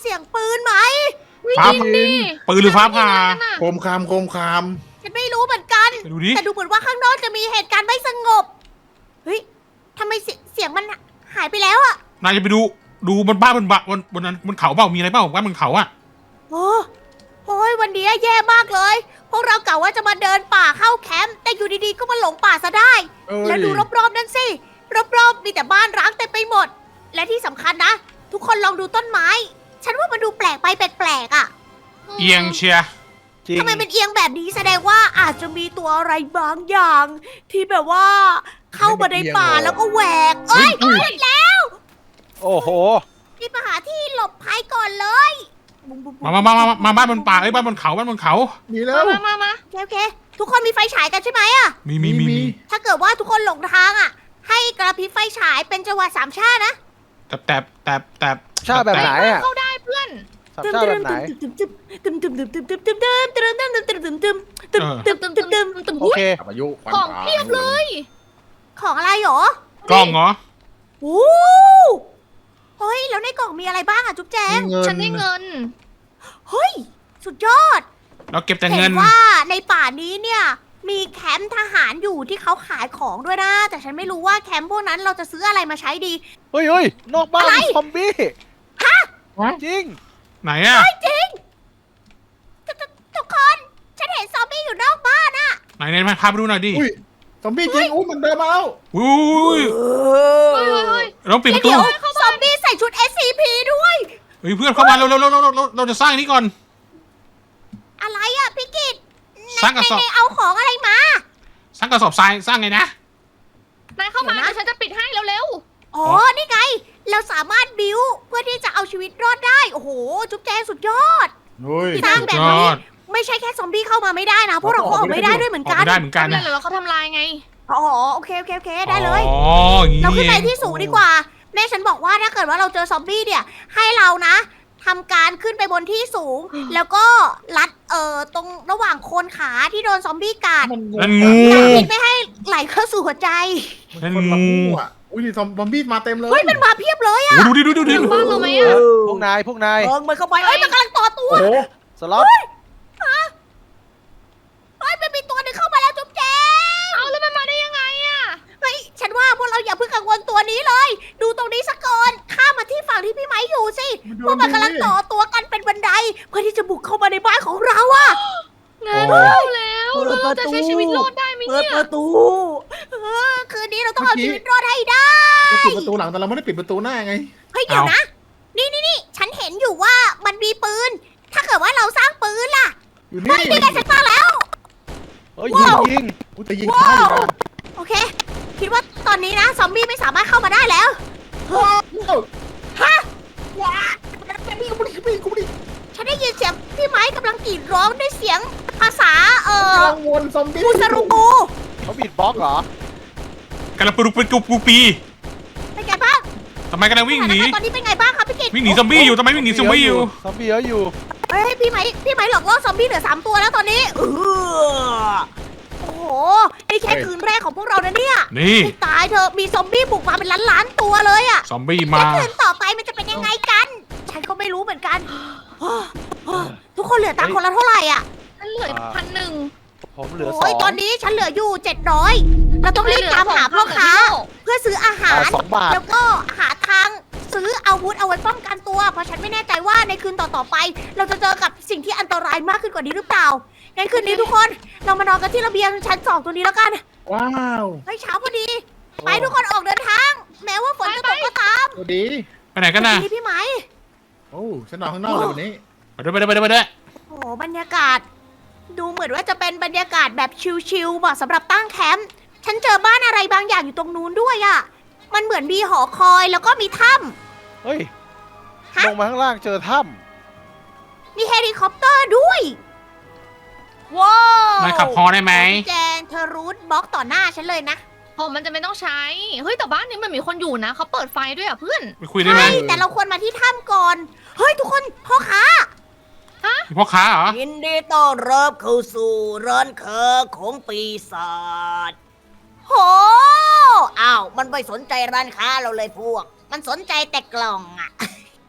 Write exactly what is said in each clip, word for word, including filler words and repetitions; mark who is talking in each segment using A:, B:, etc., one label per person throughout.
A: เสียงปืนไหม
B: ฟ้าปืนหรือฟ้าผ่า
C: โคมคามโคมคาม
A: ฉันไม่รู้เหมือนกัน
B: ไปดูดิ
A: แต่ดูเหมือนว่าข้างนอกจะมีเหตุการณ์ไม่สงบ เฮ้ยทำไมเสียเสียงมันหายไปแล้วอะ
B: นายจะไปดูดูบนบ้านบนบะบนบนนั้นบนเขาเปล่ามีอะไรเปล่าบ้านบนเขาอะ
A: โอ้โอ้ยวันนี้แย่มากเลย พวกเรากะว่าจะมาเดินป่าเข้าแคมป์ แต่อยู่ดีๆก็มาหลงป่าซะได้
C: เอ้ย
A: แล้วดูรอบๆนั่นสิ รอบๆมีแต่บ้านร้างเต็มไปหมด และที่สำคัญนะ ทุกคนลองดูต้นไม้ ฉันว่ามันดูแปลกไปแปลกๆอ่ะ
B: เอียงเชียร์
D: จริง
A: ทำไมเป็นเอียงแบบนี้แสดงว่าอาจจะมีตัวอะไรบางอย่าง ที่แบบว่าเข้ามาในป่าแล้วก็แหวก เอ้ยเห็นแล้ว
D: โอ้โห
A: รีบมาหาที่หลบภัยก่อนเลยบุ้มๆๆ
B: มามามามามาบ้านบนป่าเอ้ยบ้านบนเขาบ้านบนเขา
C: มีแล้
A: มาว มามามาโอเคโอเค ทุกคนมีไฟฉายกันใช่ไหมอะ
B: มีมีมีมี
A: ถ้าเกิดว่าทุกคนหลงทางอ่ะ ให้กระพริบไฟฉายเป็นจังหวะสามชาตินะ
B: แต่แต่แต่แต่
D: ชาแบบไหนอ่ะ
E: เข้าได้เพื่อน
D: สามชาแบบไหน
A: ตึมตึมตึมตึมตึมตึมตึมตึมตึมตึมตึมตึมตึมตึมตึมตึมตึมตึมตึม
D: โอเค
C: อายุควัน
E: ของ
C: ตา
E: เพียบเลย
A: ของอะไรหรอก
B: ล้องเหรอ
A: โอ้เฮ้ยแล้วในกล่องมีอะไรบ้างอ่ะจุ๊บแจง
C: มีเงิน
E: ฉันได้เงิน
A: เฮ้ยสุดยอด
B: เราเก็บแต่
A: เห็
B: เงิน
A: นว่าในป่านี้เนี่ยมีแคมป์ทหารอยู่ที่เขาขายของด้วยนะ แต่ฉันไม่รู้ว่าแคมป์พวกนั้นเราจะซื้ออะไรมาใช้ดี
D: เฮ้ยเฮ้ยนอกบ้าน
A: อะไร
D: มีซอมบี้
A: ฮะ
D: จริง
B: ไหนอะ
A: จริงทุกทุกทุกคนฉันเห็นซอมบี้อยู่นอกบ้านอะ
B: ไหนไหนมาพาไปดูหน่อยดิ
C: อุ้ยซอมบี้จริงอู้มันเดินมาแล้ว
B: อุ้ย
E: เฮ้ยเฮ้ยเฮ้ย
B: เราปิดประตู
A: เดี๋ยวซอมบี้ใส่ชุด เอส ซี พี ด้วย
B: เฮ้ยเพื่อนเข้ามาเราเราเราเราเราเราจะสร้างนี่ก่อน
A: อะไรอะพี่กิต
B: สร้างกระสอบ
A: ในเอาของอะไรมา
B: สร้างกระสอบทรายสร้างไงนะ
E: นายเข้ามา
A: เดี๋ยวนะ
E: เดี๋ยวฉันจะปิดให้เร็ว
A: อ๋อ นี่ไง เราสามารถบิวเพื่อที่จะเอาชีวิตรอดได้ โอ้โห จุ๊บแจงสุดยอด
C: เฮ้ย
A: สร้างแบบ
B: ย
A: นี้
B: อด
A: ไม่ใช่แค่ซอมบี้เข้ามาไม่ได้นะ พวกเราก็ออกไม่ได้ด้วยเหมือน
B: ออก
A: กัน
B: ไม่ได้เหมือน
E: ๆ
B: กัน
E: ทำ
B: นะ
E: ไมเหรอเขาทำลายไง
A: อ๋อ โอเค โอเค โอเค ได้เลย
B: อ๋ออย่าง
A: เรา
B: นี้
A: ขึ้นไป
B: เอง
A: ที่สูงดีกว่า แม่ฉันบอกว่าถ้าเกิดว่าเราเจอซอมบี้เนี่ย ให้เรานะทำการขึ้นไปบนที่สูง แล้วก็รัดเอ่อตรงระหว่างโคนขาที่โดนซอมบี้กัด
C: มัน
B: นั่นงู
A: กัดพิษไม่ให้ไหลเข้าสู่หัวใจ
C: มันคนละงูอ่ะอุ้ยซอมซอมบี้มาเต็มเลย
A: เฮ้ย มันมาเพียบเลยอะ
B: โอ้ดูดิดูดิดูดิ
E: ถึงบ้านเราไหม
D: เอ
E: อะ
D: อพวกนายพวกนาย
A: เอิงมันเข้าไปเอ้ย มันกำลังต่อตัว
C: โอ้โห
D: สล็อต
A: เฮ้ย มันมีตัวหนึ่งเข้ามาแล้วจุ๊บแจง
E: เอาแล้วมันมาได้ยังไงอะ
A: เฮ้ย ฉันว่าพวกเราอย่าเพิ่งกังวลตัวนี้เลย ดูตรงนี้สักก่อน ข้ามมาที่ฝั่งที่พี่ไม้อยู่สิ พวกมันกำลังต่อตัวกันเป็นบันได เพื่อที่จะบุกเข้ามาในบ้านของเราอะ
E: งานเข้าแล้ว
A: เปิด
E: เรา
A: ประตู
E: จะใช้ชีวิตรอดได้ไหม
A: เปิด
E: เนี่ย
A: ประตูเออคืนนี้เราต้องเอาชีวิตรอดให้ได้
C: เราปิดประตูหลังแต่เราไม่ได้ปิดประตูหน้าไง
A: เฮ้ยเดี๋ยวนะ นี่นี่นี่ฉันเห็นอยู่ว่ามันมีปืน ถ้าเกิดว่าเราสร้างปืนล่ะ
C: อยู่
A: เฮ้
C: นี่
A: ยนี่ไงฉันสร้างแล้ว
D: เฮ้ยยิงยิง
C: อุ้ยแต่ยิงช้าอยู่นะ
A: โอเค คิดว่าตอนนี้นะซอมบี้ไม่สามารถเข้ามาได้แล้ว
C: ว้าว
A: ฮะ
C: ว้าวพี่กูดิพี่กูดิ
A: ฉันได้ยินเสียงพี่ไม้กำลังกรีดร้องด้วยเสียงภาษาเอ่อ
C: กังวลซอมบี้
A: มูสรุกู
D: เขาบีดบล็อกเหรอก
B: ำลังปลุกเป็นกุปูปี
A: เป็นไงบ้าง
B: ทำไมกำลังวิ่งหนี
A: สถาการณ์ตอนนี้เป็นไงบ้างครับพี่กิต
B: วิ่งหนีซอมบี้อยู่ทำไมวิ่งหนีซอมบี้อยู่
D: ซอมบี้เยอะอยู่
A: เฮ้ยพี่ไม้พี่ไม้หลอกล่อซอมบี้เหลือสามตัวแล้วตอนนี้เออโอ้โหนี่แค่คืนแรกของพวกเรานะเนี่ย
B: นี่
A: ให้ตายเธอะมีซอมบี้บุกมาเป็นล้านๆตัวเลยอะ
B: ซอมบี้
A: แล้
B: มา
A: วคืนต่อไปมันจะเป็นยังไงกัน ฉันก็ไม่รู้เหมือนกัน ทุกคนเหลือตังค์คนละเท่าไหร่อ่ะ
E: ฉันเหลือพันหนึ่ง
D: ผมเหลือสอ
A: โอ้ย
D: ง
A: ตอนนี้ฉันเหลืออยู่เจ็ดร้อยเราต้องรีบตามหาพ่อค้า เพื่อซื้ออาหาร
D: สองบาท
A: แล้วก็หาทางซื้ออาวุธเอาไว้ป้องกันตัว เพราะฉันไม่แน่ใจว่าในคืนต่อๆไป เราจะเจอกับสิ่งที่อันตรายมากขึ้นกว่านี้หรือเปล่า งั้นคืนนี้ทุกคน เรามานอนกันที่ระเบียงชั้นสองตัวนี้แล้วกัน
C: ว้าว
A: เฮ้ยเช้าพอดี ไปทุกคนออกเดินทาง แม้ว่าฝนจะตกก็ตาม
C: สวัสดี
B: ไปไหนกันน่ะ
A: ดีพี่ไหม
C: โอ้ฉันนอนข้างนอกเลยวันนี้
B: ไปด้วยไปด้วยไปด้วยไปด้วย
A: โอ้โหบรรยากาศ ดูเหมือนว่าจะเป็นบรรยากาศแบบชิลๆเหมาะสำหรับตั้งแคมป์ ฉันเจอบ้านอะไรบางอย่างอยู่ตรงนู้นด้วยอะ่ะ มันเหมือนมีหอคอยแล้วก็มีถ้
D: เฮ้ย
A: ฮะ
D: ลงมาข้างล่างเจอถ้
A: ำมีเฮลิคอปเตอร์ด้วย ว้าวน
B: ายขับพอได้ไหม
A: แจงเธอรูทบล็อกต่อหน้าฉันเลยนะ
E: ผมมันจะไม่ต้องใช้ เฮ้ยแต่บ้านนี้มันมีคนอยู่นะเขาเปิดไฟด้วยอ่ะเพื่อน
B: ไปคุยได้ไหม
A: ใช่ แต่เราควรมาที่ถ้ำก่อน เฮ้ยทุกคนพ่อค้า
B: มีพ่อค้าเหรอ
A: ยินดีต้อนรับเข้าสู่ร้านค้าของปีศาจโหอ้าว มันไม่สนใจร้านค้าเราเลยพวก มันสนใจแต่กล่องอะ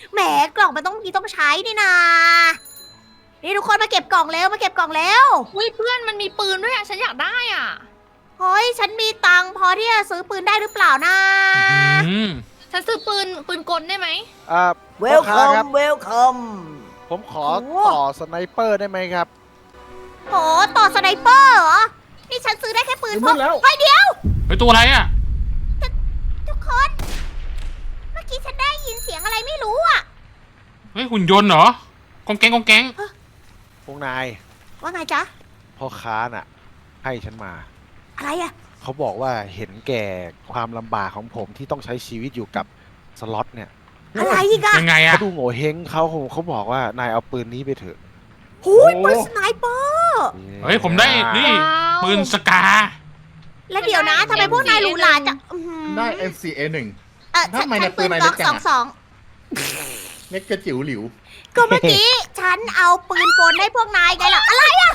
A: แหมกล่องมันต้องมีต้องใช้นี่นานี่ทุกคนมาเก็บกล่องเร็วมาเก็บกล่องเร็ว
E: อุ้ยเพื่อนมันมีปืนด้วยอ่ะฉันอยากได้อ่ะ
A: เฮ้ยฉันมีตังค์พอที่จะซื้อปืนได้หรือเปล่านะ
B: อืม
E: ฉันซื้อปืนปืนกลได้ไหม
D: อ่า
A: เว
D: พ่
A: ล
D: อ
A: คั
D: ค้าม ครับ
A: เวลคัม
D: ผมขอ
A: โอ้
D: ต่อสไนเปอร์ได้ไหมครับ
A: โหต่อสไนเปอร์เหรอนี่ฉันซื้อได้แค่ปืน
C: ซื้อ
A: พ
C: หม
A: ก
C: ดแล้ว
A: เฮ้ยเดี๋ยว
B: เฮ้ยตัวอะไรอ่ะ
A: ทุกคน เมื่อกี้ฉันได้ยินเสียงอะไรไม่รู้อ่ะ
B: เฮ้ยหุ่นยนต์เหรอกองแกงกองแกง
D: พวกนาย
A: ว่าไงจ๊ะ
D: พ่อค้าน่ะ ให้ฉันมา
A: อะไรอ่ะ
D: เขาบอกว่าเห็นแก่ความลำบากของผมที่ต้องใช้ชีวิตอยู่กับสล็อตเนี่ย
A: อะไรอีกอ่ะ
B: ยังไงอ่ะ
D: เขาดูโง่เฮงเขาเขาบอกว่านายเอาปืนนี้ไปเถอะ
A: หูยปืนสไนเปอร์
B: เฮ้ยผมได้นี่
E: ว้าว
B: ปืนสกา
A: แล้วเดี๋ยวนะทำไมพวกนายหรูหราจังอื้อหือ
C: ได้ เอ็ม ซี เอ หนึ่ง
A: เออฉัน
C: ทำไม
A: ฉั
C: เนี่ย
A: นปืน
C: ปืนอะไร
A: ก๊อก
C: เล็กจั
A: สอง ง
C: อะ
A: สอง
C: เล็กกระจิ๋วหลิว
A: ก็เมื่อกี้ ฉันเอาปืนกลให้พวกนายไงล่ะ อะไรอ่ะ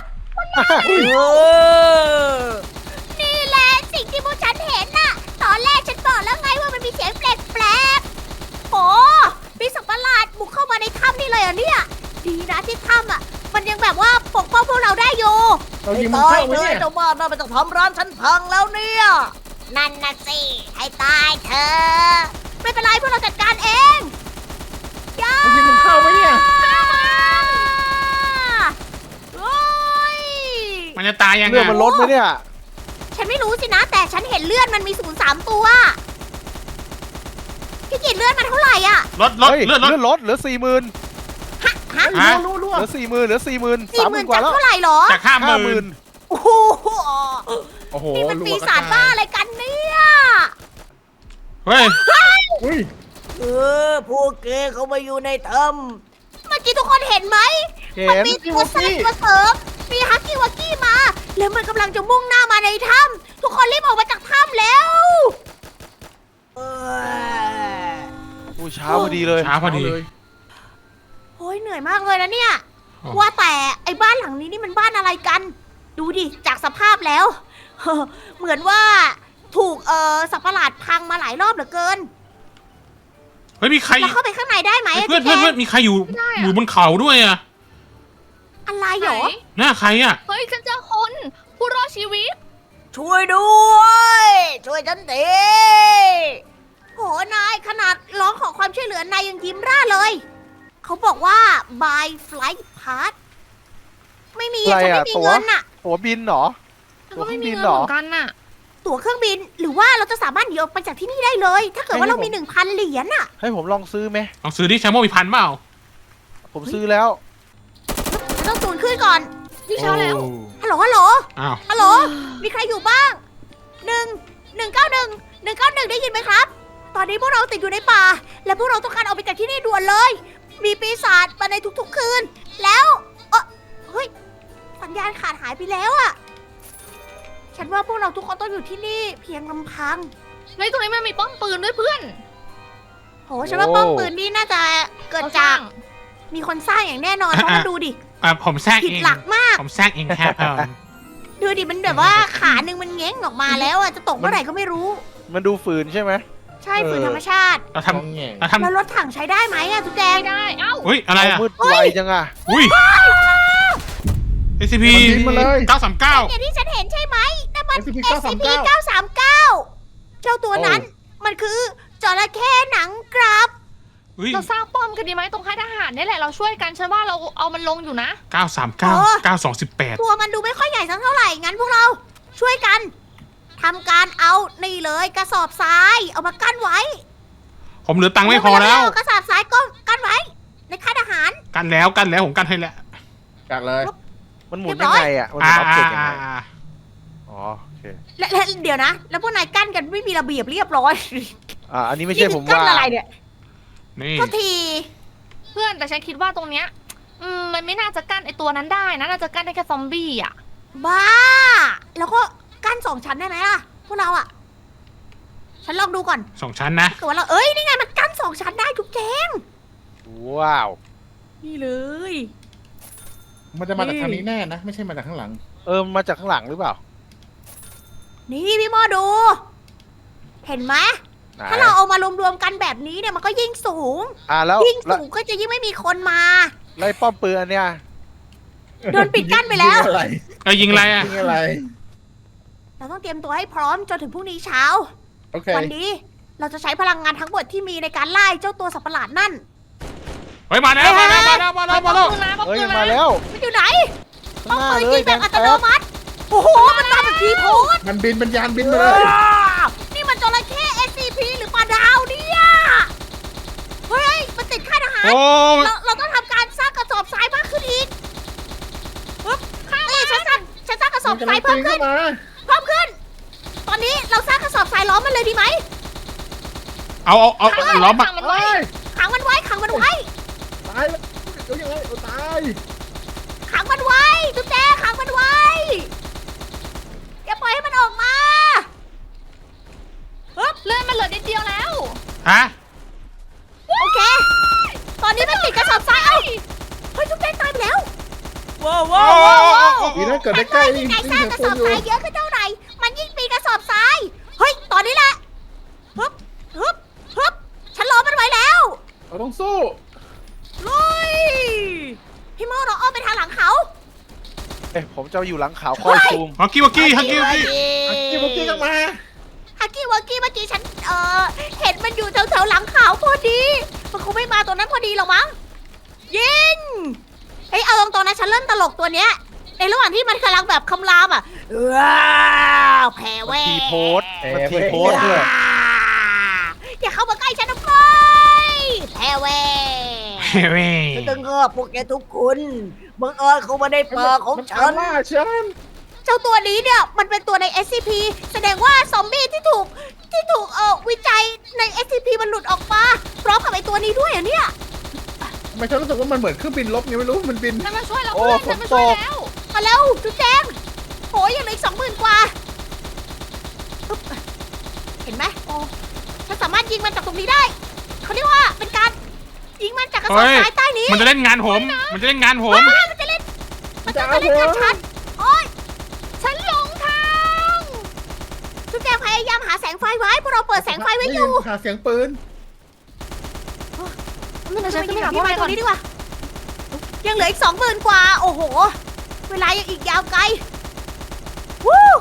A: นี่แหละสิ่งที่พวกฉันเห็นน่ะ ตอนแรกฉันบอกแล้วไงว่ามันมีเสียงแปลกๆโอ้มีสัตว์ประหลาดบุกเข้ามาในถ้ำนี่เลยเหรอ่ะเนี่ย ดีนะที่ถ้ำอ่ะ มันยังแบบว่าปกป้องพวกเราได้อยู่
C: เรายิงมันเข้าไว้เนี่ย
A: เจ้าบ้านน่ามันจะทำร้านฉันพังแล้วเนี่ย นั่นน่ะสิ ให้ตายเธอ ไม่เป็นไรพวกเราจัดการเองย่า
C: เรายิงมันเข้าไว้เนี่ย
A: โอ้ย
B: มันจะตายยัง
D: เรื่อง
B: ไง
D: มันลดไหมเนี่ย
A: ฉันไม่รู้สินะ แต่ฉันเห็นเลือดมันมีศูนย์สามตัวพี่กินเลือดมันเท่าไหร่อ่ะ
B: ลดลด
D: เฮ้ย
B: เลือดลด
D: เลื่อนลดเหลือสี่หมื่น
A: ฮะฮะ
B: ฮะ
C: รู้รู้
D: เหลือสี่หมื่นเหลือสี่หมื่น
A: สี่
D: สาม
A: ห
D: ห
A: มื่
D: มื่
A: น
D: นกว่า
A: จาก
D: แล้ว
A: เท่าไหร่หรอ
B: จากห้าห
D: ห้าห
B: มื่
D: มื่
B: น
D: น
A: โอ้โห
C: โอ้โห
A: นี่มัน
C: รัว
A: ปี
C: กระ
A: ศาจ
C: จย
A: บ้าอะไรกันเนี่ย
B: เฮ้ย
C: อุ้ย
A: เออพวกแกเขามาอยู่ในถ้ำเมื่อกี้ทุกคนเห็นไหม
D: เห็
A: มัน
D: น
A: มีตัวแทรกตัวเสริม มีฮักกี้วักกี้มา แล้วมันกำลังจะมุ่งหน้ามาในถ้ำทุกคนรีบออกมาจากถ้ำแล้วเออ
D: อู้เช้าพอดีเลย
B: ช้าพอดี
C: เเลย
A: โอ้ยเหนื่อยมากเลยนะเนี่ย
B: อ๋อ
A: ว่าแต่ไอ้บ้านหลังนี้นี่มันบ้านอะไรกัน ดูดิ จากสภาพแล้ว เหมือนว่าถูกเอ่อสัตว์ประหลาดพังมาหลายรอบเหลือเกิน
B: เฮ้ยมีใคร
A: เราเข้าไปข้างในได้ไหม
B: เฮ้ย
A: อะ
B: เพื่อน
A: พี่
B: เพื่อน
A: แก
B: เพื่อนมีใครอยู่
E: ไม่ได้อะ
B: อยู่บนเขาด้วยอ่ะ
A: อะไรหรอ
E: ไหน
B: หน้าใครอ่ะ
E: เฮ้ยฉันเจอคนผู้รอดชีวิต
A: ช่วยด้วย ช่วยฉันทีโหนายขนาดร้องขอความช่วยเหลือนายยังยิ้มร่าเลย เขาบอกว่า buy flight pass ไม่มี
D: อะไร
A: ฉัน
D: อะ
A: ไม่มี
D: ตั๋ว
A: เงินอะ
D: ตั๋วบินเหรอ
E: ฉันก็ไม่มี
D: บิน
E: เงิน
D: เหรอ
E: เหมือนกันน่ะ
A: ตั๋วเครื่องบิน หรือว่าเราจะสามารถหนีออกไปจากที่นี่ได้เลย ถ้าเกิดว่าเรามีหนึ่งพันเหรียญอะ
D: ให้ผมลองซื้อไหม
B: ลองซื้อดิแชมโมมีพันเปล่า
D: ผมซื้อแล้ว
A: ฉันต้องตูนขึ้นก่อน
E: พี่เช้าแล้ว
A: ฮัลโหล ฮัลโหล
B: อ้าว
A: ฮัลโหล มีใครอยู่บ้าง หนึ่ง หนึ่งเก้าหนึ่ง หนึ่งเก้าหนึ่งได้ยินไหมครับ ตอนนี้พวกเราติดอยู่ในป่า และพวกเราต้องการออกไปจากที่นี่ด่วนเลย มีปีศาจมาในทุกๆคืน แล้วเออเฮ้ย สัญญาณขาดหายไปแล้วอะฉันว่าพวกเราทุกคนต้องอยู่ที่นี่เพียงลำพัง
E: เฮ้ยตรงนี้มันมีป้อมปืนด้วยเพื่อน
A: โห ฉันว่าป้อมปืนนี่น่าจะเกิดจาก
E: เร
A: มีคนสร้างอย่างแน่นอน เพราะว่าดูดิ
B: อ่ะผมแทรก
A: ผิด
B: เอง
A: หลักมาก
B: ผมแทรกเองครับผม
A: ดูดิมันแบบว่าขาหนึ่งมันเง้งออกมาแล้วอะจะตกเมื่อไหร่ก็ไม่รู้
D: มันดูฝืนใช่ไหม
A: ใช่ฝืนธรรมชาติ
B: เรา
C: ท
B: ทำ
C: ำแง่
B: เราทำ
A: แล้วรถถังใช้ได้ไหมอะทุกแดง
E: ไม่ได้ เอ้า
B: อุ้ยอะไร
D: เอา
B: อ่ะ
D: มืดไวจังอะ
B: อุ้ย เอ ซี พี
C: มันยิงมาเลย
B: เก้าสามเก้า
A: อย่างที่ฉันเห็นใช่ไหมนั่นมัน
C: เอส ซี พี
A: เอส ซี พี
C: เก้าสามเก้า
A: เก้าสามเก้าเจ้าตัวนั้น มันคือจระเข้หนังกราบ
B: อุ้ย
E: เราสร้างป้อมกันดีไหมตรงค่ายทหารนี่แหละเราช่วยกันฉันว่าเราเอามันลงอยู่นะ
B: เก้าสามเก้า เก้าสองสิบแปด
A: ตัวมันดูไม่ค่อยใหญ่สักเท่าไหร่ งั้นพวกเราช่วยกันทำการเอานี่เลยกระสอบทรายเอามากั้นไว้
B: ผมเหลือตังค์ไม่พอแล้ว
A: เร็ๆกระสอบทรายก็กั้นไว้ ในค่ายทหาร
B: กันแล้วกันแล้วผมกันให้แล้ว
C: กัดเลย
D: มันหมุนยังไงอะมันหมุ
B: อ่าน
D: ออบเจกต์ยัง
B: อ่า
D: ไง
B: อ่า
D: อ๋อโอเค
A: และและเดี๋ยวนะ แล้วพวกนายกั้นกันไม่มีระเบียบเรียบร้อย
D: อ่าอันนี้ไม่ใช่ผม
A: กั้น
D: ว่า
A: อะไรเนี่ย
B: นี่
A: ก็ที
E: เพื่อนแต่ฉันคิดว่าตรงเนี้ยอืมมันไม่น่าจะกั้นไอตัวนั้นได้นะน่าจะกั้นได้แค่ซอมบี้อ่ะ
A: บ้า แล้วก็กั้นสองชั้นได้ไหมล่ะ พวกเราอะฉันลองดูก่อน
B: สองชั้นนะ
A: ถ้าเกิดว่าเรา เอ้ย นี่ไงมันกั้นสองชั้นได้ทุกแจง
D: ว้าว
A: นี่เลย
C: มันจะมาจากทางนี้แน่นะ ไม่ใช่มาจากข้างหลัง
D: เออมาจากข้างหลังหรือเปล่า
A: นี่พี่โมดู เห็นไหมถ้าเราเอามารวมๆกันแบบนี้เนี่ยมันก็ยิ่งสูง
D: อ่าแล้ว
A: ยิ่ง
D: แล้ว
A: สูงก็จะยิ่งไม่มีคนมา
D: แล้วไอ้ป้อมปืนอันเนี้ย
A: โดนปิดกั้นไปแล้ว
C: ยิงอะไร
B: เอ้ยยิงอะไรอ่ะ
C: ยิงอะไร
A: เราต้องเตรียมตัวให้พร้อมจนถึงพรุ่งนี้เช้า
C: โอเค
A: วันนี้เราจะใช้พลังงานทั้งหมดที่มีในการไล่เจ้าตัวสัตว์ประหลาดนั่น
B: เฮ้ยมาแล้วมาแล้วมาแล้วมาแล้วมาแล้ว
E: ปืนนะ
D: เฮ้ย
E: ปื
D: มัน น
E: นะ
D: มาแล้ว
A: มันอยู่ไหน
D: ข้างหน้า
A: ปืน
D: เล
A: ยิ
D: ย
A: งแบบอัตโนมัติ โอ้โห มันมาแบบทีโพส
C: มันบินเป็นยานบินมาเลย
A: นี่มันจระเข้ เอส ซี พี หรือปลาดาวเนี่ยเฮ้ย มันติดค่ายทหาร
B: โอ้
A: เราเราต้องทำการสร้างกระสอบทรายมากขึ้นอีกปึ๊บนี่ฉันสร้างฉันสร้างกระสอบทรายเพิ่มขึ้น
C: มา
A: เพิ่มขึ้น ตอนนี้เราสร้างกระสอบทรายล้อมมันเลยดีไหม
B: เอาเอาเอาเอาล้อม
E: ขั
B: อ่ะ
E: งมันไว้
C: เฮ้ย
A: ขังมันไว้ ขังมันไว้
C: ตายแล้วเดี๋ยวยังไงเอาตาย
A: ขังมันไว้จุ๊บแจขังมันไว้ อย่าปล่อยให้มันออกมาปึ๊บ
E: เลื่อนมันเหลือนิดเดียวแล้ว
B: ฮะ
A: โอเค ตอนนี้มันติดกระสอบทราย เอ้าเฮ้ยจุ๊บแจตายไปแล้ว ว้าว
B: โอ้
A: ว้าวว้าว
B: โอ้
C: ดีนะเกิด
A: ฉั
C: ได้
A: น
C: ใกล้
A: ว่า
C: ยิ่
A: ยิ่
C: ง
A: งนายสร้าง
C: ยิ่ง
A: กระ
C: ค
A: สอน บ
C: อยู่
A: ทรายเยอะขึ้นเท่าไหร่ มันยิ่งปีนกระสอบทราย เฮ้ย ตอนนี้แหละฮึบฮึบฮึบฉันล้อมมันไว้แล้ว
C: เราต้องสู้
A: ลุย พี่โมเราอ้อมไปทางหลังเขา
D: เอ้ยผมจะอยู่หลังขาวคอยซูม
B: ฮักกี้วักกี้ฮักกี้วักกี้
C: อักกี้บุกกี้ก็มา
A: ฮักกี้วักกี้เมื่อกี้ฉัน เอ่อ เห็นมันอยู่แถวๆหลังเขาพอดี มันคงไม่มาตัวนั้นพอดีหรอกมั้ง ยิง เฮ้ย เอาตรงๆนะฉันเริ่มตลกตัวเนี้ย ในระหว่างที่มันกำลังแบบคำรามอ่ะว้าวแพ้แว่
D: ทีโพสต์
C: แพ้
D: มันที
C: เว้ย
D: โพสต์ด้วย
A: อย่าเข้ามาใกล้ฉันนะเฟ้ยแพ้แว่
B: เว้ย
A: ฉันจะเงือบพวกแกทุกคนบังเอิญเข้ามาในป่าของ
C: มัน
A: ฉั
C: ตาม
A: น
C: ล่าฉัน
A: เจ้าตัวนี้เนี่ย มันเป็นตัวใน เอส ซี พี แสดงว่าซอมบี้ที่ถูกที่ถูกเอ่อวิจัยใน เอส ซี พี มันหลุดออกมาพร้อมกับไอตัวนี้ด้วยอ่ะเนี่ย
C: ทำไมฉันรู้สึกว่ามันเหมือนเครื่องบินลบไงไม่รู้ มันบิน
E: ฉันมาช่วยแล้ว
D: โอ้
E: เพื่อนฉันมา
D: ฝนตก
E: ช่วยแล้ว
A: มาเร็วจุ๊บแจงโหยังเหลืออีกสองหมื่นกว่าปึ๊บเห็นไหมโอ้ฉันสามารถยิงมันจากตรงนี้ได้ เขาเรียกว่าเป็นการยิงมันจากกระสอบทรายใต้นี้
B: มันจะเล่นงานผม มันจะเล่นงานผม
A: เฮ้ยมันจะเล่น มันจะมาเล่นกับฉันโอ้ย
E: ฉันหลงทาง
A: จุ๊บแจงพยายามหาแสงไฟไว้พวกเราเปิดแสงไฟไว้อยู่
C: หาเสียงปืน
E: เดี๋ยวฉัน
A: ไป
E: ขึ้น
A: ยิง
E: ไป
A: กับ
E: หา
A: พี่
E: พวก
A: ไม้
E: นาย ก่อน
A: ตรงนี้ดีกว่า ยังเหลืออีกสองหมื่นกว่า โอ้โห เวลายังอีกยาวไกล วู้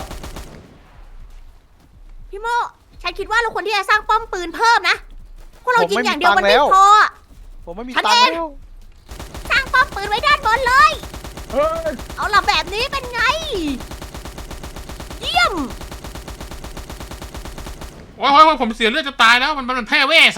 A: พี่โมฉันคิดว่าเราควรที่จะสร้างป้อมปืนเพิ่มนะเพราะเรายิงอย่างเดียวมันไม่พออะ
D: ผมไม่มี
A: ฉัน
D: ตังค์
A: เอง
D: แล้ว
A: สร้างป้อมปืนไว้ด้านบนเลย
C: เฮ้ย
A: เอาล่ะแบบนี้เป็นไง เยี่ยม
B: โอ้ยโอ้ยโอ้ยผมเสียเลือดจะตายแล้ว มันมันแพ้เว่ใส่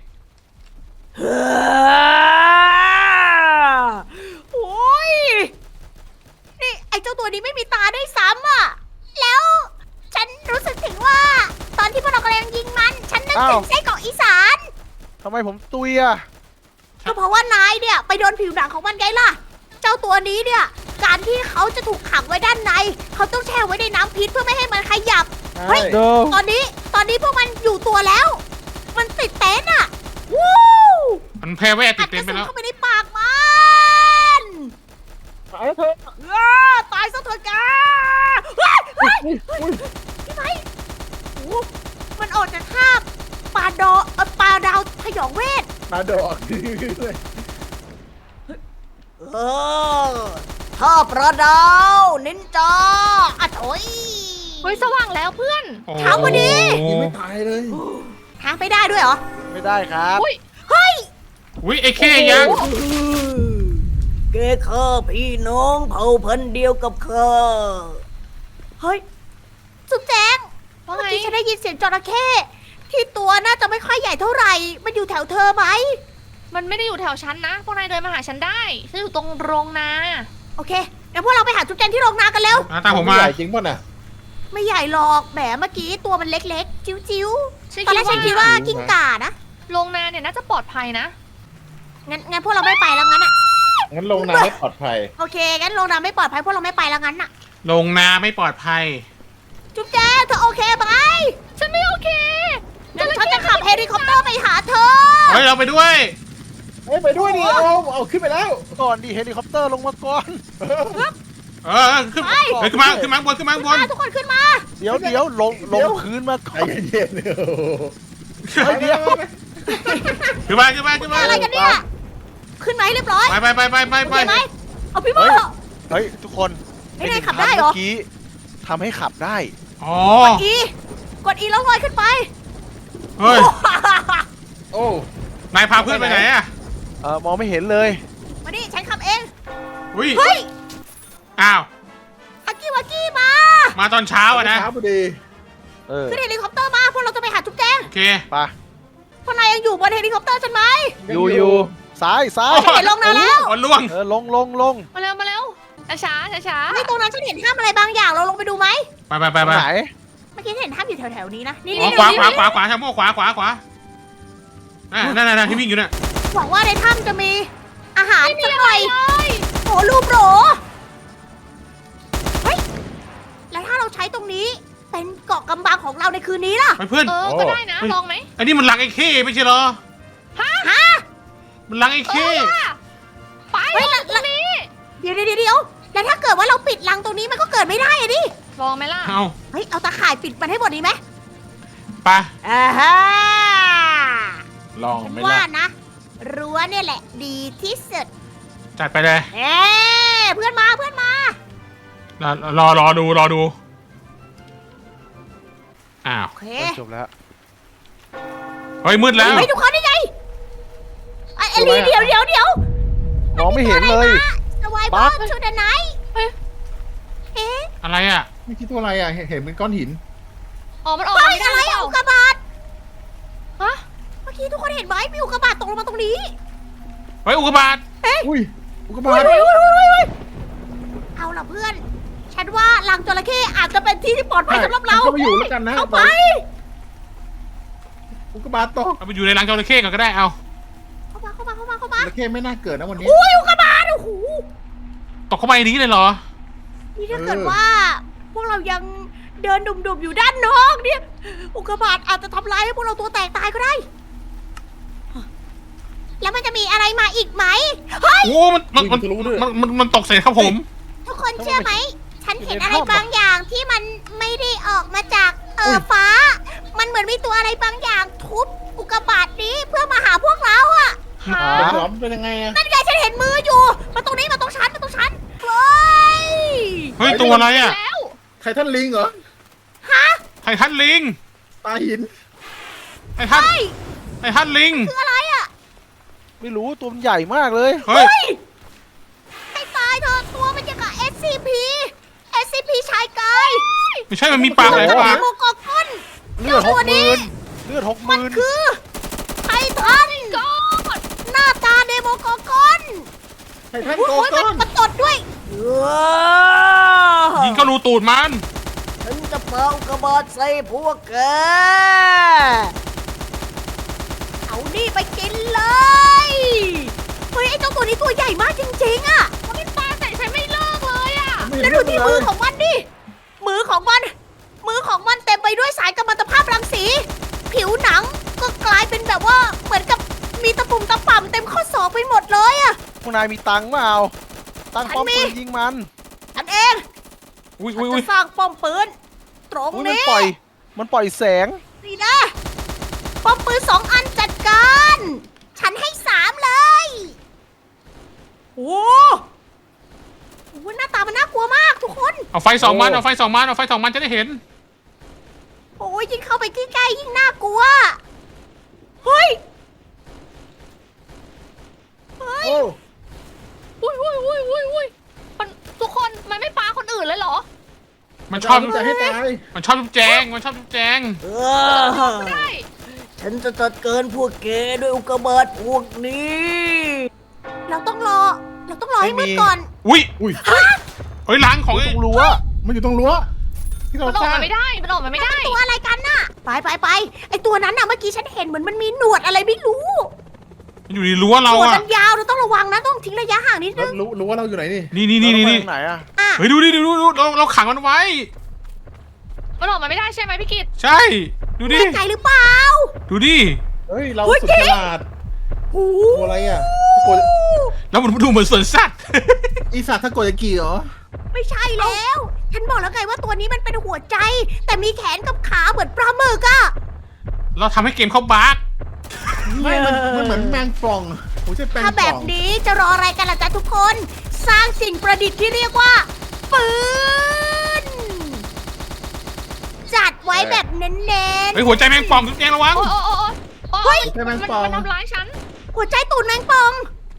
A: โอ้ย นี่ไอ้เจ้าตัวนี้ไม่มีตาได้วยซ้ำอ่ะ แล้วฉันรู้สึกถึงว่า ตอนที่พวกเรากำลังยิงมัน ฉันนึกถึงไส้กรอกอีสาน
D: ทำไมผมตุยอ่ะ
A: ก็เพราะว่านายเนี่ยไปโดนผิวหนังของมันไงล่ะ เจ้าตัวนี้เนี่ย การที่เขาจะถูกขังไว้ด้านใน เขาต้องแช่ไว้ในน้ำพิษเพื่อไม่ให้มันขยับ เฮ้ย
D: เดิม
A: ตอนนี้ ตอนนี้พวกมันอยู่ตัวแล้ว มันติดเต็นท์อ่ะ วู้
B: มันแพ้เว่ติ
A: อั
B: ด
A: ดก
B: เต็ม
A: ระ
B: ไป
A: สุน
B: แล้ว
A: เข้าไปในปากมัน
C: ตายแล้วเธอ
A: อ้าตายซะเถอะแกเฮ้ยเฮ้ยพี่ไม้โอ้มันออกจากท่าปลาดอเอ่อปลาดาวพยองเวท
C: มาดอกเลย
A: เออท่าปลาดาวนินจาอะโถย
E: เฮ้ยสว่างแล้วเพื่อน
A: เช้าพอดี
C: ยังไม่ตายเลย
A: ทางไปได้ด้วยเหรอ
D: ไม่ได้ครับ
E: อุ้ย
A: เฮ้ย
B: อุ้ยไอ้เคยัง
A: แกข้าพี่น้องเผ่าพันธุ์เดียวกับข้าเฮ้ยสุดแจง
E: ว่า
A: เมื่อ
E: ไง
A: กี้ฉันได้ยินเสียงจระเข้ที่ตัวน่าจะไม่ค่อยใหญ่เท่าไหร่ มันอยู่แถวเธอไหม
E: มันไม่ได้อยู่แถวฉันนะ พวกนายเดินมาหาฉันได้ ฉันอยู่ตรงโรงนา
A: โอเคงั้นพวกเราไปหาจุ๊บแจงที่โรงนากันเร็ว
B: อ่ะตามผมมา
C: ใหญ่จริงป่ะน่ะ
A: ไม่ใหญ่หรอกแหมเมื่อกี้ตัวมันเล็กๆ จิ้ว
E: ฉัน
A: ๆ ตอนแรกฉันคิดว่ากิ้งก่านะ
E: โรงนาเนี่ยน่าจะปลอดภัยนะ
A: งั้นงั้นพวกเราไม่ไปแล้วงั้นอะ
C: งั้นลงน้ำไม่ปลอดภัย
A: โอเคงั้นโรงนาไม่ปลอดภัยพวกเราไม่ไปแล้วงั้นอะ
B: ลงนาไม่ปลอดภัย
A: จุ๊บแจงเธอโอเคไหม
E: ฉันไม่โอเค
A: งั้นฉันจะขับเฮลิคอปเตอร์ไปหาเธอ
B: เฮ้ย เราไปด้วย
C: เฮ้ยไปด้วยดิเอาเอาขึ้นไปแล้ว
D: ก่อนดีเฮลิคอปเตอร์ลงมาก่อน
B: เออเออขึ้น
A: ไป
B: เฮ้ยขึ้นมาขึ้นมาข้างบนขึ้นมาข้างบน
A: มาทุกคนขึ้นมา
D: เดี๋ยวเดี๋ยวลงลงพื้นมา
C: ใจ
D: ก่อน
C: เย็นๆเออ
D: เฮ้ยเดี๋ยว
B: ขึ้นมาขึ้นมาขึ้นมา
A: อะไรกันเนี่ย ขึ้นไหมเรียบร้อย
B: ไปไปไปไปไป
A: โอ
B: ไป
A: เคไหมเอาพี่โม
D: เฮ้ย เฮ้ยทุกคน
A: เฮ้ยนายขับได้เหรอ
D: เมื่อกี้ทำให้ขับได้
B: อ๋อ
A: กด E กด E แล้วลอยขึ้นไป
B: เฮ้ย
C: โอ้
B: นายพาเพื่อนไปไหนอะ
D: เออมองไม่เห็นเลย
A: มานี่ฉันขับเอง
B: อุ้ย
A: เฮ้ย
B: อ้าว
A: ฮักกี้วักกี้มา
B: มาตอนเช้าอะนะ
C: เช้าพอดี
D: เออ
A: ขึ้นเฮลิคอปเตอร์มาพวกเราจะไปหาจุ๊บแจง
B: โอเค
D: ไป
A: พวกนายยังอยู่บนเฮลิคอปเตอร์ฉันไหม
D: อยู่อยู่ซ้ายซ้าย
A: ฉันเห็นลงนานแล้ว
B: อ๋อล่วง
D: เออลงลงลง
E: มาเร็วมาเร็วช้าช้าช้า
A: ในตรงนั้นฉันเห็นถ้ำอะไรบางอย่างเราลงไปดูไหม
B: ไปไปไปไป
D: ไหน
A: เมื่อกี้ฉันเห็นถ้ำอยู่แถวๆนี้นะนี่
B: อ๋อ
A: นี่
B: ขวา
A: นี่
B: ขวาขวาขวาชาโม่ขวาขวาขวาอ่ะนั่นนั่นนั่นที่วิ่งอยู่น่ะ
A: หวังว่าในถ้ำจะมีอาหารสักหน่อย
E: เลย
A: โอ้รูปโหรเฮ้ยแล้วถ้าเราใช้ตรงนี้เป็นเกาะกำบังของเราในคืนนี้ล่ะ
B: ไปเพื่อน
E: เออก็ได้นะลองไหม
B: อันนี้มันลังไอ้เข้ไม่ใช่เหรอ
A: ฮะ
B: มันลังไอ้
E: เอ
B: เข้
E: อว่ะไป
A: เฮ้ย
E: ล
A: แล้
E: อ
A: ว
E: งตรงนี้
A: เดี๋ยวเดี๋ยวเดี๋ยวแล้วถ้าเกิดว่าเราปิดรังตรงนี้มันก็เกิดไม่ได้อะดิ
E: ลองไหมล่ะ
B: เอา
A: เฮ้ยเอาตาข่ายปิดมันให้หมดดีไหม
B: ไป
A: อ่าฮะ
C: ลอง
A: ฉัน
C: ไหม่
A: ว่า
C: ล่ะ
A: นะรั้วเนี่ยแหละดีที่สุด
B: จัดไปเลย
A: เอ๊เพื่อนมาเพื่อนมา
B: รอรอรอดูรอดูอ้าว
A: โอเค
D: เฮ้ยจบแล้ว
B: เฮ้ยมืดแล้ว
A: เฮ้ยทุกคนนี่ไงไอ้ไอ้ลีเดี๋ยวเดี๋ยวเดี๋ยว
D: มองไม่เห็นเลย
A: สวายบ
D: บั
A: อ
D: ส
A: มชูดไนท์เฮ้ยเอ๊ะ
B: อะไรอ่ะ
C: ไม่คิดตัวอะไรอ่ะ เห็นเห็นเป็นก้อนหิน
E: อ๋อมันออก
A: เฮ้
E: มาย ไม่ได้
A: อะไร
E: หรือเป
A: อะ
E: ล่า
A: อุกกาบาต
E: ฮะ
A: เมื่อกี้ทุกคนเห็นไหมมีอุกกาบาตตกลงมาตรงนี้
B: เฮ้ยอุกกาบาต
C: อุ้ยอุกกา
A: เฮ้
C: บาย ต
A: เฮ้ยเฮ้ยเฮ้ยเฮ้ยเอาล่ะเพื่อน ฉันว่ารังจระเข้อาจจะเป็นที่ที่ปลอดภัยสำหรับเรา
C: ก็ไปอยู่แล้วกันนะ
A: เข้าไป
C: อุกกาบาตตก
B: เอาไปอยู่ในรังจระเข้ก่อนก็ได้เอา
A: เข้ามาเข้ามาเข้ามาเข้ามา
C: จระเข้ไม่น่าเกิดนะวันนี้
A: อุ้ยอุกกาบาตโอ้โห
B: ตกเข้าไปในนี้เลยเหรอ
A: นี่ถ้าเกิด
C: เออ
A: ว่า พวกเรายังเดินดุ่มๆอยู่ด้านนอกเนี่ย อุกกาบาตอาจจะทำร้ายให้พวกเราตัวแตกตายก็ได้ แล้วมันจะมีอะไรมาอีกไหม เฮ้ย
B: โอ้มันมันมัน
C: วิ่งทะลุด้วย
B: มันมันมันตกใส่ครับผม
A: ทุกคนเชื่อไหม ฉันเห็นอะไรบางอย่างที่มันไม่ได้ออกมาจากเออฟ้า มันเหมือนมีตัวอะไรบางอย่างทุบอุกกาบาตนี้เพื่อมาหาพวกเราอะ
E: หา
C: เป็นหลอมเป็นยังไงอ่ะ
A: นั่นไงฉันเห็นมืออยู่ มาตรงนี้มาตรงฉันมาตรงฉัน เฮ้ย
B: เฮ้ยตัวอะไรอ่ะ
E: แล้ว
C: ไททันลิงเหรอ
A: ฮะ
B: ไททันลิง
C: ตาหิน
B: ไททัน
A: เฮ้ย
B: ไททันลิง
A: คืออะไรอะ
D: ไม่รู้ตัวมันใหญ่มากเลย
B: เฮ้ย
A: เฮ้ย ให้ตายเถอะตัวมันยังกับ เอส ซี พี เอส ซี พี ชายกาย
B: ไม่ใช่มันมีปากหลาย
A: มัน
B: ปาก
A: โมกอกอน
D: เลือดหกหมื่นเลือดหกห
A: มัน
D: มื่น
A: คือไททันกอดหน้าตาเดโมกอกอน
C: ไททัน
A: โอ้
C: โก
A: โห
C: ก้
A: มั
C: อน น
A: มันตดด้วย
B: ยิงเข้ารูตูดมัน
A: ฉันจะเป่ากระบาดใส่พวกแก เอานี่ไปกินเลย เฮ้ยไอ้เจ้าตัวนี้ตัวใหญ่มากจริงๆอะ
E: มันปลาใส่ฉันไม่เลิกเลยอ่ะ
A: แล้วดูที่มือของมันดิ มือของมัน มือของมันเต็มไปด้วยสายกัมมันตภาพรังสี ผิวหนังก็กลายเป็นแบบว่าเหมือนกับมีตะปุ่มตะป่ำเต็มข้อศอกไปหมดเลยอะ
D: พวกนายมีตังค์เปล่าตังค์ป้อมปืนยิงมัน
A: ฉันเอง
B: อุ้ย
A: ฉั
B: อุ้
A: น
B: ยอุ้
A: จะ
B: ย
A: สร้างป้อมปืนตรง
D: อุ้ยมัน
A: นี้
D: ปล่อย มันปล่อยแสง
A: นี่นะ ป้อมปืนสองอันจัดการ ฉันให้สามเลย โอ้โหหน้าตามันน่ากลัวมากทุกคน
B: เอาไฟสองมันเอาไฟสองมันเอาไฟสองมันจะได้เห็น
A: โอ้ยยิ่งเข้าไปใกล้ๆยิ่งน่ากลัว เฮ้ย เฮ้ย
C: โอ้
E: อุ้ยอุ้ยอุ้ยอุ้ยอุ้ยมันทุกคนมันไม่ปลาคนอื่นเลยเหรอ
B: มันชอบ
C: จะให้ตาย
B: มันชอบจุ๊บแจงมันชอบจุ๊บแจง
A: เอ
E: ไม่ได้
A: ฉันจะจัดการพวกแกด้วยอุกกาบาตพวกนี้ เราต้องรอ เราต้องรอให้มืดก่อน
B: อุ้ย
C: อุ้ย
B: เฮ้ยล้างของ
D: ต
B: ไอ้
D: รงรั้ว
C: มันอยู่ตรงรั้ว ที่เรา
E: มันอ
C: ส
E: อก
C: ร้าง
E: มาไม่ได้มันออกมาไม่ได้
A: ตัวอะไรกันน่ะ ไปไปไปไอตัวนั้นน่ะเมื่อกี้ฉันเห็นเหมือนมันมีหนวดอะไรไม่รู้
B: มันอยู่ในรั้ว
A: หน
B: เรา
A: วด
B: อะ
A: มันยาวเราต้องระวังนะต้องทิ้งระยะห่างนิด
C: แล้
A: นึ
C: ว
A: ง
C: รู้รู้ว่าเราอยู่ไหนนี่
B: นี่นี่นี่นี่นี่
D: เราไปทางไหนอะ
A: อ่ะ
B: เฮ้ยดูดิดูดูดูเราเราขังมันไว้
E: มันออกมาไม่ได้ใช่ไหมพี่กิต
B: ใช่ ดูดิ
A: แน่ใจหรือเปล่า
B: ดูดิ
C: เฮ้ย เรา
A: เฮ้ย
C: สุด
A: เจ๊
C: ฉลาด
A: โอ้
C: ตัวอะไรอ่ะถ้ากด
B: แล้วมันดูเหมือนสวนสัตว์
C: อีสัตว์ถ้ากดจะกี่เหรอ
A: ไม่ใช่แล้ว ฉันบอกแล้วไงว่าตัวนี้มันเป็นหัวใจ แต่มีแขนกับขาเหมือนปลาหมึกอะ
B: เราทำให้เกมเขาบั๊ก
C: ไม่มันมันเหมือนแมงป่องผมใช่แมง
A: ถ้า
C: ป่
A: แบ
C: อบ ง
A: นี้จะรออะไรกันล่ะจ๊ะทุกคน สร้างสิ่งประดิษฐ์ที่เรียกว่าปืนจัดไว้แบบเน้น
B: เฮ้ยหัวใจแมงป่องทุกแจงระวัง
E: โอ้โอ้โอ้โอ้
A: เฮ้ย
E: มันมันมันทำร้ายฉัน
A: ๆหัวใจตูดแมงป่อง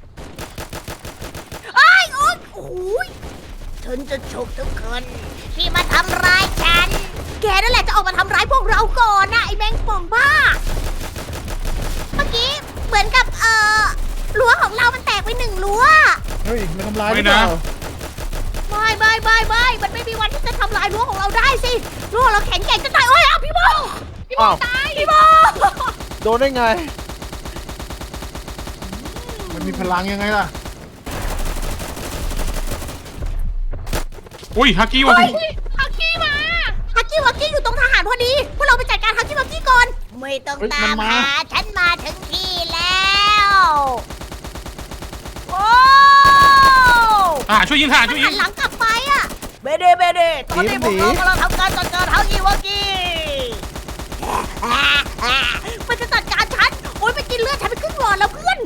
A: ไอ้ายโอ๊ยโอ้ยฉันจะฉกทุกคนที่มาทำร้ายฉัน แกนั่นแหละจะออกมาทำร้ายพวกเราก่อนนะไอ้แมงป่องบ้า เมื่อกี้เหมือนกับเอ่อรั้วของเรามันแตกไปหนึ่งรั้ว
C: เฮ้ยมันทำร้ายห
B: ไม่
C: รือเป
B: นะ
C: ล่า
A: ไม่ไม่ไม่ไม่มันไม่มีวันที่จะทำลายรั้วของเราได้สิรั้วของเราแข็งแกร่งจะตายโอ้ยเอาพี่โบพี่โบ
D: อ้าว
A: ตายพี่โบ
D: โดนได้ไง
C: มันมีพลังยังไงล่ะ
B: อุ้ยฮักกี้ว่ะ
E: ฮักกี้มา
A: ฮักกี้วักกี้อยู่ตรงทหารพอดีพวกเราไปจัดการฮักกี้วักกี้ก่อนไม่ต้อง
C: เฮ้ย
A: ตาม
C: มันมา
A: หาฉันมาถึงที่แล้วโอ้
B: อ่าช่วยยิงค่ะ
A: มัน
B: ช่วยยิ
A: หั
B: ง
A: นหลังกลับไปอะเบเดเบเดตอนนี้พวกเรากำลังทำการจัดการฮักกี้วักกี้มันจะจัดการฉันโอ๊ยไปกินเลือดฉันไปครึ่งหลอดแล้วเพื่อน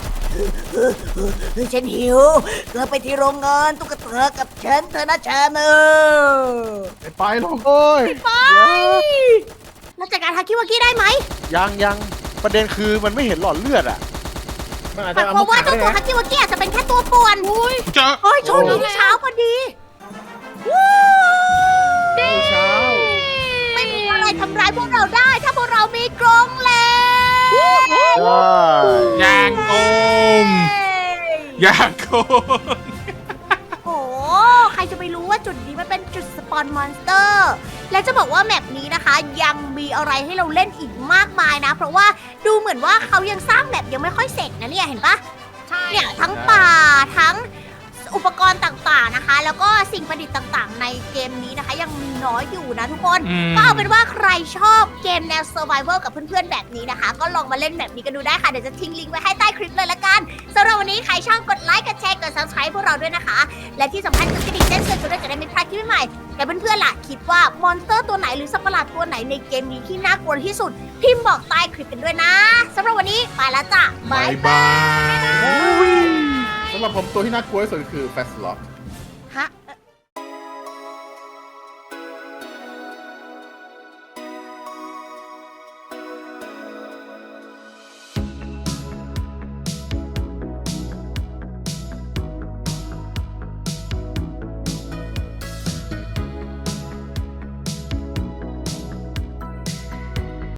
A: ฉันหิวเราไปที่โรงงานตุ๊กตากับฉันเธอนะฉันเออ
C: ไปไปลง
D: โอ้ย
A: ไปเราจัดการฮาคิวากิได้ไหม
D: ยังยังประเด็นคือมันไม่เห็นหลอดเลือดอ่ะ
C: มันอาจ
A: แต่
C: จะเอา
A: เพ
C: มา
A: ราะว่า
C: ขัง
A: เจ้า
C: ได้
A: ตัว
C: นะ
A: ฮาคิวากิอาจจะเป็นแค่ตัวป่วนอุ้ย
B: เจอ
A: เฮ้ยโชคดีที่เช้าพอดีวู้
C: เช้า
A: ไม่มีอะไรทำร้ายพวกเราได้ ถ้าพวกเรามีกรงเหล็ก
D: ใช่
B: ยางโกงยางโกง
A: โอ้โหใครจะไปรู้ว่าจุดนี้มันเป็นจุดสปอนมอนสเตอร์ และจะบอกว่าแมปนี้นะคะ ยังมีอะไรให้เราเล่นอีกมากมายนะ เพราะว่าดูเหมือนว่าเขายังสร้างแมปยังไม่ค่อยเสร็จนะเนี่ยเห็นปะ
E: ใช่
A: เนี่ยทั้งป่าทั้งอุปกรณ์ต่างๆนะคะ แล้วก็สิ่งประดิษฐ์ต่างๆ ในเกมนี้นะคะ ยังมีน้อยอยู่นะทุกคน
B: อืม
A: ก็เอาเป็นว่าใครชอบเกมแนว Survival กับเพื่อนๆแบบนี้นะคะ ก็ลองมาเล่นแบบนี้กันดูได้ค่ะ เดี๋ยวจะทิ้งลิงก์ไว้ให้ใต้คลิปเลยละกันสำหรับวันนี้ใครชอบกดไลค์กดแชร์กด Subscribe พวกเราด้วยนะคะ และที่สำคัญคือกระดิ่งแจ้งเตือนด้วยจะได้ไม่พลาดคลิปใหม่ๆแต่เพื่อนๆล่ะคิดว่ามอนสเตอร์ตัวไหนหรือสัตว์ประหลาดตัวไหนในเกมนี้ที่น่ากลัวที่สุดพิมพ์บอกใต้คลิปกันด้วยนะสำหรับวันนี้ไปแล้วจ้ะ
B: บายบาย
C: สำหรับผมตัวที่น่ากลัวที่สุดคือแฟสล็อต